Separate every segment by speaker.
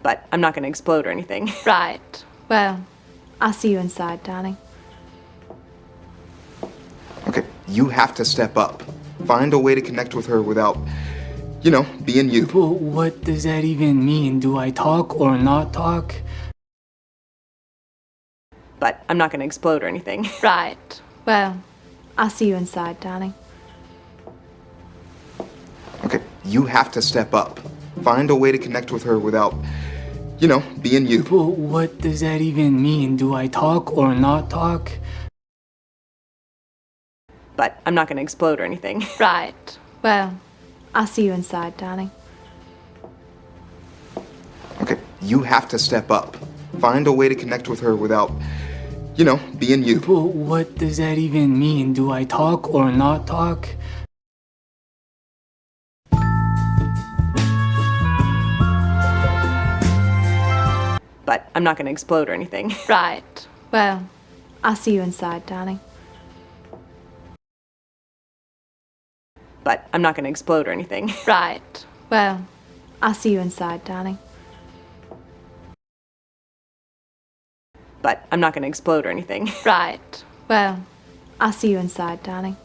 Speaker 1: But I'm not gonna explode or anything.
Speaker 2: Right. Well, I'll see you inside, darling.
Speaker 3: Okay, you have to step up. Find a way to connect with her without, being you.
Speaker 4: But what does that even mean? Do I talk or not talk?
Speaker 1: But I'm not gonna explode or anything.
Speaker 2: Right. Well, I'll see you inside, darling.
Speaker 3: Okay, you have to step up. Find a way to connect with her without, being you.
Speaker 4: But what does that even mean? Do I talk or not talk?
Speaker 1: But I'm not gonna explode or anything.
Speaker 2: Right. Well, I'll see you inside, darling.
Speaker 3: Okay, you have to step up. Find a way to connect with her without, being you.
Speaker 4: But what does that even mean? Do I talk or not talk?
Speaker 1: But I'm not gonna explode or anything.
Speaker 2: Right. Well, I'll see you inside, darling.
Speaker 1: But I'm not gonna explode or anything.
Speaker 2: Right. Well, I'll see you inside, darling.
Speaker 1: But I'm not gonna explode or anything.
Speaker 2: Right. Well, I'll see you inside, darling.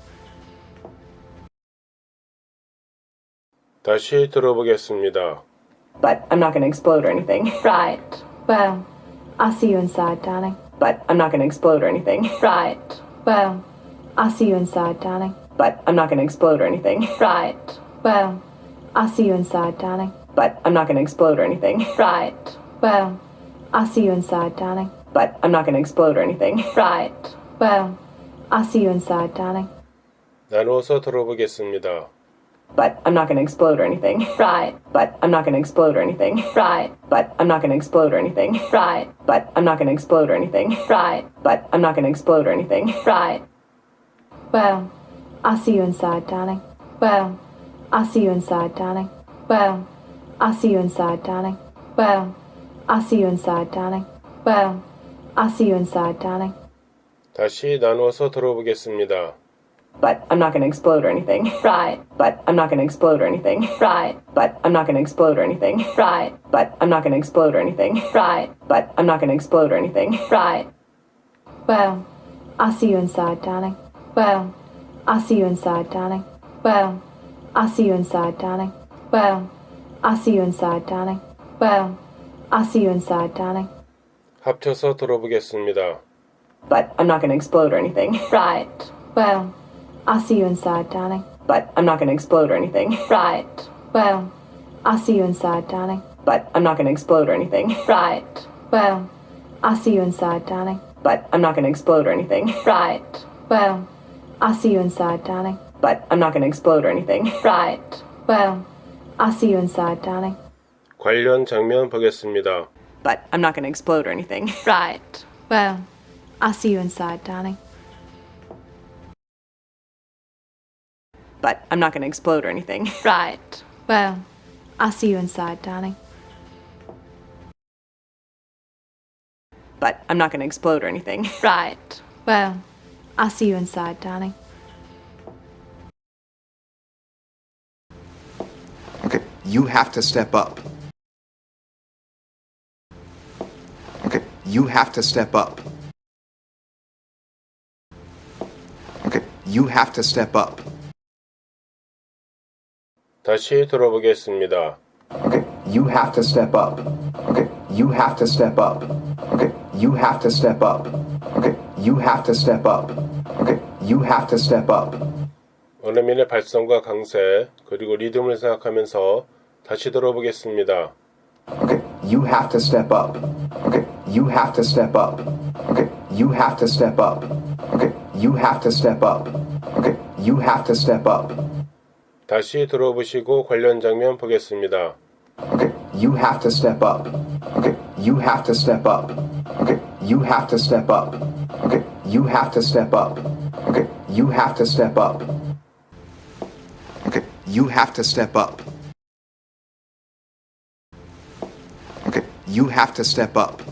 Speaker 5: 다시 들어보겠습니다.
Speaker 1: But I'm not gonna explode or anything.
Speaker 2: Right. Well, I'll see you inside, darling.
Speaker 1: But I'm not gonna explode or anything.
Speaker 2: Right. Well, I'll see you inside, darling.
Speaker 1: But I'm not gonna explode or anything.
Speaker 2: Right. Well, I'll see you inside, darling.
Speaker 1: But I'm not gonna explode or anything.
Speaker 2: Right. Well, I'll see you inside, darling.
Speaker 1: But I'm not gonna explode or anything.
Speaker 2: Right. Well, I'll see you inside, darling.
Speaker 5: 나누어서 들어보겠습니다.
Speaker 1: But I'm not gonna explode or anything.
Speaker 2: Right.
Speaker 1: But I'm not gonna explode or anything.
Speaker 2: Right.
Speaker 1: But I'm not gonna explode or anything.
Speaker 2: Right.
Speaker 1: But I'm not gonna explode or anything.
Speaker 2: Right.
Speaker 1: But I'm not gonna explode or anything.
Speaker 2: Right. Well, I'll see you inside, darling. Well, I'll see you inside, darling. Well, I'll see you inside, darling. Well, I'll see you inside, darling. Well, I'll see you inside, darling.
Speaker 5: 다시 나누어서 들어보겠습니다.
Speaker 1: But I'm not gonna explode or anything.
Speaker 2: Right.
Speaker 1: But I'm not gonna explode or anything.
Speaker 2: Right.
Speaker 1: But I'm not gonna explode or anything.
Speaker 2: Right.
Speaker 1: But I'm not gonna explode or anything.
Speaker 2: Right.
Speaker 1: But I'm not gonna explode or anything.
Speaker 2: Right. Well, I'll see you inside, darling. Well, I'll see you inside, darling. Well, I'll see you inside, darling. Well, I'll see you inside, darling. Well, I'll see you inside, darling.
Speaker 5: 합쳐서 들어보겠습니다.
Speaker 1: But I'm not gonna explode or anything.
Speaker 2: Right. Well, I'll see you inside, darling.
Speaker 1: But I'm not gonna explode or anything.
Speaker 2: Right. Well, I'll see you inside, darling.
Speaker 1: But I'm not gonna explode or anything.
Speaker 2: Right. Well, I'll see you inside, darling.
Speaker 1: But I'm not gonna explode or anything.
Speaker 2: Right. Well, I'll see you inside, darling.
Speaker 1: But I'm not gonna explode or anything.
Speaker 2: Right. Well, I'll see you inside, darling.
Speaker 5: 관련 장면 보겠습니다.
Speaker 1: But I'm not gonna explode or anything.
Speaker 2: Right. Well, I'll see you inside, darling.
Speaker 1: But I'm not gonna explode or anything.
Speaker 2: Right. Well, I'll see you inside, darling.
Speaker 1: But I'm not gonna explode or anything.
Speaker 2: Right. Well, I'll see you inside, darling.
Speaker 3: Okay, you have to step up. Okay, you have to step up. Okay, you have to step up.
Speaker 5: 다시 들어보겠습니다.
Speaker 3: Okay, you have to step up. Okay, you have to step up. Okay, you have to step up. Okay, you have to step up. Okay, you have to step up.
Speaker 5: 원어민의 발성과 강세 그리고 리듬을 생각하면서 다시 들어보겠습니다.
Speaker 3: Okay, you have to step up. Okay, you have to step up. Okay, you have to step up. Okay, you have to step up. Okay, you have to step up.
Speaker 5: 다시 들어보시고 관련 장면 보겠습니다.
Speaker 3: Okay, you have to step up. Okay, you have to step up. Okay, you have to step up. Okay, you have to step up. Okay, you have to step up. Okay, you have to step up. Okay, you have to step up.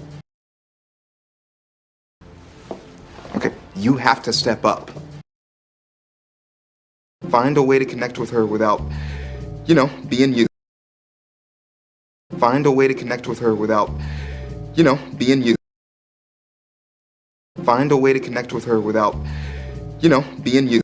Speaker 3: Okay, you have to step up. Find a way to connect with her without, being you. Find a way to connect with her without, you know, being you. Find a way to connect with her without, you know, being you.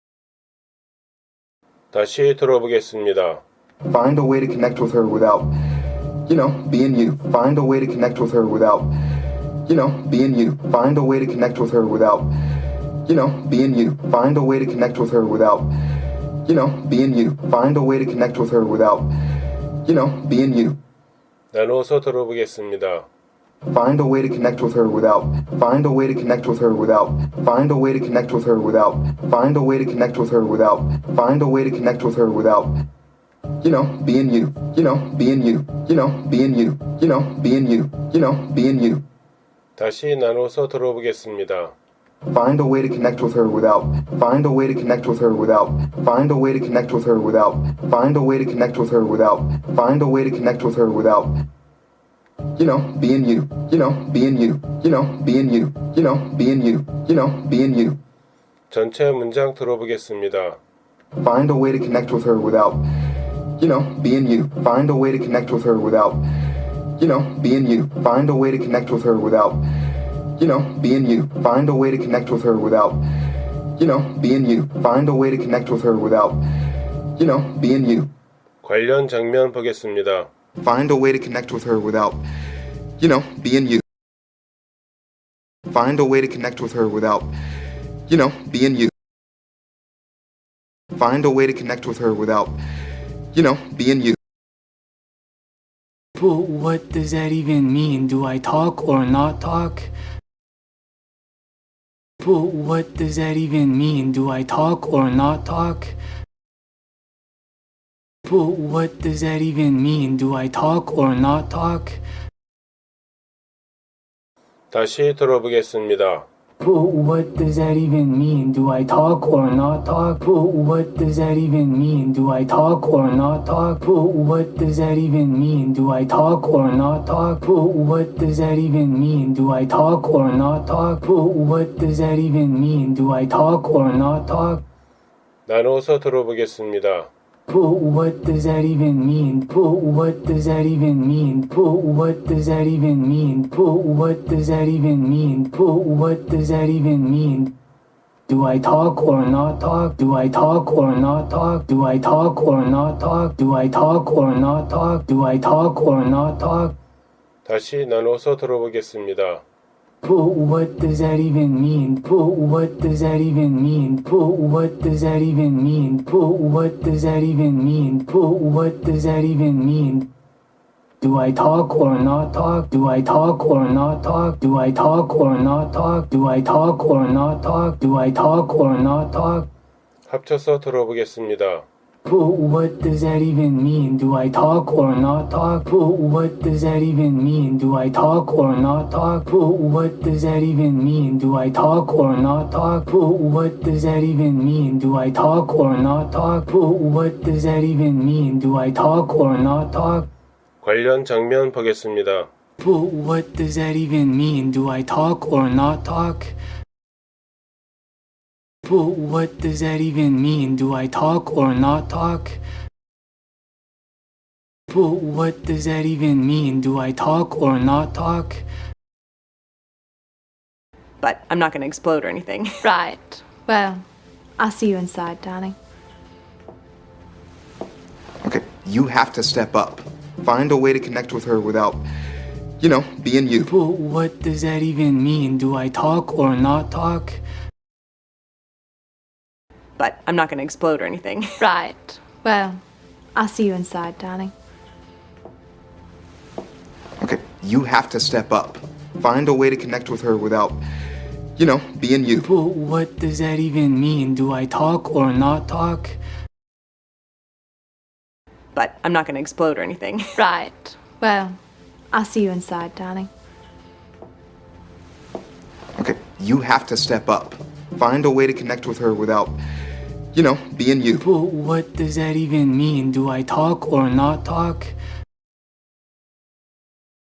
Speaker 5: 다시 들어보겠습니다.
Speaker 3: Find a way to connect with her without, you know, being you. Find a way to connect with her without, you know, being you. Find a way to connect with her without, you know, being you. Find a way to connect with her without, you know, being you. Find a way to connect with her without, you know, being you.
Speaker 5: 나누어서 들어보겠습니다.
Speaker 3: Find a way to connect with her without, find a way to connect with her without, find a way to connect with her without, find a way to connect with her without, find a way to connect with her without, you know, being you, you know, being you, you know, being you, you know, being you, you know, being you.
Speaker 5: 다시 나누어서 들어보겠습니다.
Speaker 3: Find a way to connect with her without, find a way to connect with her without, find a way to connect with her without, find a way to connect with her without, find a way to connect with her without, you know, being you, you know, being you, you know, being you, you know, being you, you know, being you.
Speaker 5: 전체 문장 들어보겠습니다.
Speaker 3: Find a way to connect with her without, you know, being you. Find a way to connect with her without, you know, being you. Find a way to connect with her without, you know, being you. Find a way to connect with her without, you know, being you. Find a way to connect with her without, you know, being you.
Speaker 5: 관련 장면 보겠습니다.
Speaker 3: Find a way to connect with her without, you know, being you. Find a way to connect with her without, you know, being you. Find a way to connect with her without, you know, being you.
Speaker 4: But what does that even mean? Do I talk or not talk? But what does that even mean? Do I talk or not talk? But what does that even mean? Do I talk or not talk?
Speaker 5: 다시 들어보겠습니다.
Speaker 4: But what does that even mean? Do I talk or not talk? But what does that even mean? Do I talk or not talk? But what does that even mean? Do I talk or not talk? But what does that even mean? Do I talk or not talk? But what does that even mean? Do I talk or not talk?
Speaker 5: 나누어서 들어보겠습니다.
Speaker 4: But what does that even mean? But what does that even mean? But what does that even mean? But what does that even mean? But what does that even mean? Do I talk or not talk? Do I talk or not talk? Do I talk or not talk? Do I talk or not talk? Do I talk or not talk?
Speaker 5: 다시 나누어서 들어보겠습니다.
Speaker 4: But what does that even mean? But what does that even mean? But what does that even mean? But what does that even mean? But what does that even mean? Do I talk or not talk? Do I talk or not talk? Do I talk or not talk? Do I talk or not talk? Do I talk or not talk?
Speaker 5: 합쳐서 들어보겠습니다.
Speaker 4: But what does that even mean? Do I talk or not talk? But what does that even mean? Do I talk or not talk? But what does that even mean? Do I talk or not talk? But what does that even mean? Do I talk or not talk? But what does that even mean? Do I talk or not talk?
Speaker 5: 관련 장면 보겠습니다.
Speaker 4: But what does that even mean? Do I talk or not talk? But what does that even mean? Do I talk or not talk? But what does that even mean? Do I talk or not talk?
Speaker 1: But I'm not going to explode or anything.
Speaker 2: Right. Well, I'll see you inside, darling.
Speaker 3: Okay, you have to step up. Find a way to connect with her without, you know, being you.
Speaker 4: But what does that even mean? Do I talk or not talk?
Speaker 1: But I'm not going to explode or anything.
Speaker 2: Right. Well, I'll see you inside, darling.
Speaker 3: Okay, you have to step up. Find a way to connect with her without, you know, being you.
Speaker 4: But what does that even mean? Do I talk or not talk?
Speaker 1: But I'm not going to explode or anything.
Speaker 2: Right. Well, I'll see you inside, darling.
Speaker 3: Okay, you have to step up. Find a way to connect with her without, you know, being you.
Speaker 4: But what does that even mean? Do I talk or not talk?